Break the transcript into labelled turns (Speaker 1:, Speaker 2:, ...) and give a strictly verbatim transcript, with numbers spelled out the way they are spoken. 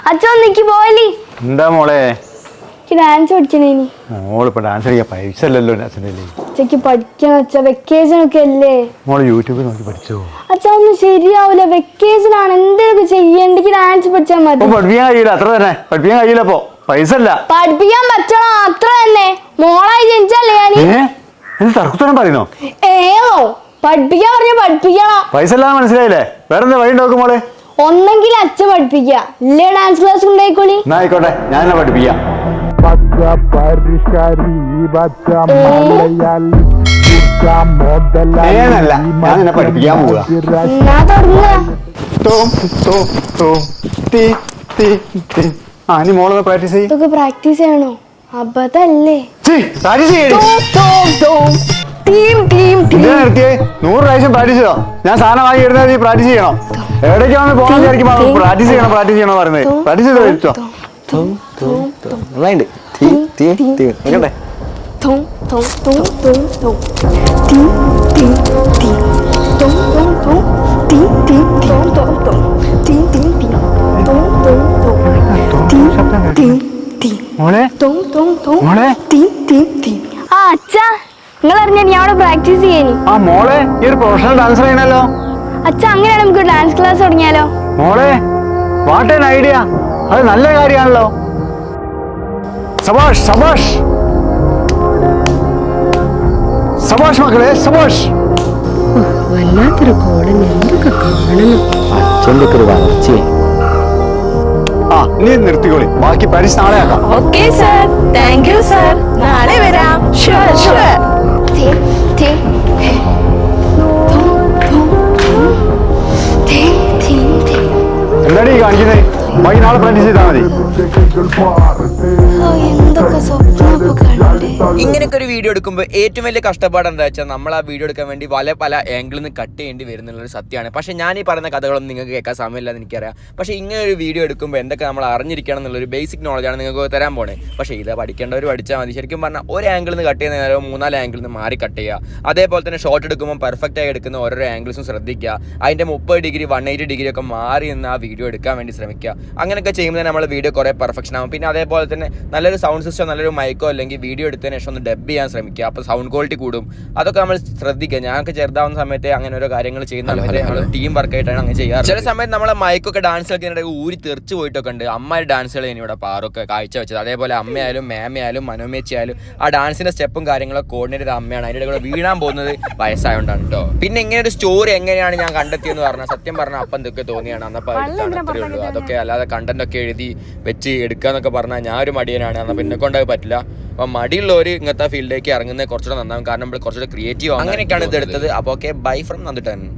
Speaker 1: അച്ഛക്ക് പോവല്ലേ?
Speaker 2: എന്താ മോളെ
Speaker 1: ഡാൻസ് പഠിക്കണേനി.
Speaker 2: മോളിപ്പോ ഡാൻസ് കളിക്കാൻ പൈസ അല്ലല്ലോ.
Speaker 1: അച്ഛക്ക് പഠിക്കണം അച്ഛ, വെക്കേഷൻ ഒക്കെ അല്ലേ.
Speaker 2: മോള് യൂട്യൂബിൽ നോക്കി പഠിച്ചോ?
Speaker 1: അച്ഛ ഒന്നും ശരിയാവൂല, വെക്കേഷൻ ആണ്. എന്തൊക്കെ ചെയ്യണ്ടെങ്കിൽ ഡാൻസ് പഠിച്ചാൽ മതി.
Speaker 2: പഠിപ്പിക്കാൻ കഴിയില്ല, അത്ര തന്നെ. പഠിപ്പിക്കാൻ കഴിയില്ല, ഇപ്പൊ പൈസ അല്ല.
Speaker 1: പഠിപ്പിക്കാൻ പറ്റണം, അത്ര തന്നെ. മോളായി ജനിച്ചല്ലേ ഞാൻ.
Speaker 2: തർക്കുത്തരം പറയുന്നോ?
Speaker 1: ഏതോ പഠിപ്പിക്കാൻ പറഞ്ഞ പഠിപ്പിക്കണം.
Speaker 2: പൈസ അല്ലാതെ മനസ്സിലായില്ലേ? വേറെ എന്താ വഴി നോക്കും മോളെ?
Speaker 1: ഒന്നെങ്കിൽ അച്ഛൻ പഠിപ്പിക്കുക, ഇല്ലേ ഡാൻസ് ക്ലാസ് ഉണ്ടായിക്കോളി.
Speaker 2: എന്നാ ആയിക്കോട്ടെ, ഞാൻ എന്നെ പഠിപ്പിക്കാം. ഞാനല്ല, ഞാൻ നിന്നെ പഠിപ്പിക്കാൻ പോവുക. ആ നീ മോളൊന്ന് പ്രാക്ടീസ് ചെയ്യും.
Speaker 1: ഇതൊക്കെ പ്രാക്ടീസ് ചെയ്യണോ? അബദ്ധല്ലേ.
Speaker 2: നൂറ് പ്രാവശ്യം പ്രാക്ടീസ് ചെയ്തോ? ഞാൻ സാധനം വാങ്ങി ഇടുന്നത് നീ പ്രാക്ടീസ് ചെയ്യണം. എവിടേക്കാണ് പോകാൻ വിചാരിക്കുമ്പോ പ്രാക്ടീസ് ചെയ്യണം പ്രാക്ടീസ് ചെയ്യണോ പറയുന്നത്? പ്രാക്ടീസ് ചെയ്ത് കഴിച്ചോ.
Speaker 1: നിങ്ങൾ അറിഞ്ഞ ഞാൻ അവിടെ പ്രാക്ടീസ് ചെയ്യാനി.
Speaker 2: ആ മോളെ ഈ ഒരു പ്രൊഫഷണൽ ഡാൻസർ ആണല്ലോ.
Speaker 1: അച്ഛ അങ്ങനെയാണ് നമുക്ക് ഡാൻസ് ക്ലാസ് തുടങ്ങിയാലോ?
Speaker 2: മോളെ വാട്ട് ആൻ ഐഡിയ, അത് നല്ല കാര്യമാണല്ലോ. സബാഷ് സബാഷ് സബാഷ് മക്കളെ സബാഷ്.
Speaker 3: വല്ലാത്തൊരു കോളൻ, എന്തൊക്കെ കാണണം.
Speaker 2: അച്ഛൻ്റെ ഒരു വളർച്ചയെ. ആ നീ നിർത്തിക്കോളി, ബാക്കി പരിസ് നാളെ ആക്കാം.
Speaker 3: Okay sir, thank you sir, നാളെ വരാം. Sure sure.
Speaker 2: എന്താടി കാണിക്കുന്നത്? ബാക്കി നാളെ പ്രാക്ടീസ് ചെയ്താൽ മതി.
Speaker 4: ഇങ്ങനെയൊക്കെ ഒരു വീഡിയോ എടുക്കുമ്പോൾ ഏറ്റവും വലിയ കഷ്ടപ്പാട് എന്താ വെച്ചാൽ നമ്മൾ ആ വീഡിയോ എടുക്കാൻ വേണ്ടി പല പല ആംഗിളിൽ നിന്ന് കട്ട് ചെയ്യേണ്ടി വരുന്നുള്ളൊരു സത്യമാണ്. പക്ഷേ ഞാൻ ഈ പറയുന്ന കഥകളൊന്നും നിങ്ങൾക്ക് കേൾക്കാൻ സമയമില്ലെന്ന് എനിക്കറിയാം. പക്ഷേ ഇങ്ങനെ ഒരു വീഡിയോ എടുക്കുമ്പോൾ എന്തൊക്കെ നമ്മൾ അറിഞ്ഞിരിക്കണം എന്നുള്ളൊരു ബേസിക് നോളജാണ് നിങ്ങൾക്ക് തരാൻ പോണേ. പക്ഷേ ഇത് പഠിക്കേണ്ടവർ പഠിച്ചാൽ മതി. ശരിക്കും പറഞ്ഞാൽ ഒരു ആംഗിളിൽ നിന്ന് കട്ട് ചെയ്യുന്ന നേരം മൂന്നാല് ആംഗിളിൽ നിന്ന് മാറി കട്ട് ചെയ്യുക. അതേപോലെ തന്നെ ഷോട്ട് എടുക്കുമ്പോൾ പെർഫെക്റ്റ് ആയി എടുക്കുന്ന ഓരോ ആംഗിൾസും ശ്രദ്ധിക്കുക. അതിൻ്റെ മുപ്പത് ഡിഗ്രി വൺ എയ്റ്റി ഡിഗ്രി ഒക്കെ മാറി നിന്ന് ആ വീഡിയോ എടുക്കാൻ വേണ്ടി ശ്രമിക്കുക. അങ്ങനെയൊക്കെ ചെയ്യുമ്പോൾ നമ്മൾ വീഡിയോ കുറേ പെർഫെക്ഷൻ ആകും. പിന്നെ അതേപോലെ തന്നെ നല്ലൊരു സൗണ്ട് സിസ്റ്റം, നല്ലൊരു മൈക്കോ അല്ലെങ്കിൽ വീഡിയോ എടുത്തതിന് ശേഷം ഒന്ന് ഡബ് ചെയ്യാൻ ശ്രമിക്കുക. അപ്പോൾ സൗണ്ട് ക്വാളിറ്റി കൂടും. അതൊക്കെ നമ്മൾ ശ്രദ്ധിക്കുക. ഞങ്ങൾക്ക് ചെറുതാവുന്ന സമയത്ത് അങ്ങനെ ഓരോ കാര്യങ്ങൾ ചെയ്യുന്ന നമ്മൾ ടീം വർക്കായിട്ടാണ് അങ്ങനെ ചെയ്യാറ്. ചില സമയത്ത് നമ്മളെ മൈക്കൊക്കെ ഡാൻസ് കളിക്കുന്നതിനിടെ ഊരി തെറിച്ച് പോയിട്ടൊക്കെ ഉണ്ട്. അമ്മയുടെ ഡാൻസുകൾ ഇവിടെ പാറൊക്കെ കാഴ്ച വെച്ചത്. അതേപോലെ അമ്മയായാലും മേമയായാലും മനോമേച്ചിയായാലും ആ ഡാൻസിന്റെ സ്റ്റെപ്പും കാര്യങ്ങളൊക്കെ കോർഡിനേറ്റ് ചെയ്ത അമ്മയാണ്. അതിൻ്റെ കൂടെ വീണാൻ പോകുന്നത് വയസ്സായോണ്ടാണ് കേട്ടോ. പിന്നെ ഇങ്ങനെ ഒരു സ്റ്റോറി എങ്ങനെയാണ് ഞാൻ കണ്ടെത്തിയെന്ന് പറഞ്ഞാൽ സത്യം പറഞ്ഞാൽ അപ്പം എന്തൊക്കെ തോന്നിയാണ് അന്നപ്പോൾ അത്രയേ ഉള്ളൂ. അതൊക്കെ അല്ലാതെ കണ്ടന്റ് ഒക്കെ എഴുതി വെച്ച് എടുക്കാന്നൊക്കെ പറഞ്ഞാൽ ഞാൻ ഒരു മടിയനാണ്. എന്നാൽ പിന്നെ കൊണ്ടത് പറ്റില്ല. അപ്പം മടിയുള്ളവർ ഇങ്ങനത്തെ ഫീൽഡിലേക്ക് ഇറങ്ങുന്നത് കുറച്ചുകൂടെ നന്നാവും. കാരണം നമ്മൾ കുറച്ചുകൂടെ ക്രിയേറ്റീവ്. അങ്ങനെയൊക്കെയാണ് ഇത് എടുത്തത്. അപ്പോൾ ഓക്കെ, ബൈ ഫ്രം നന്ദുട്ടൻ.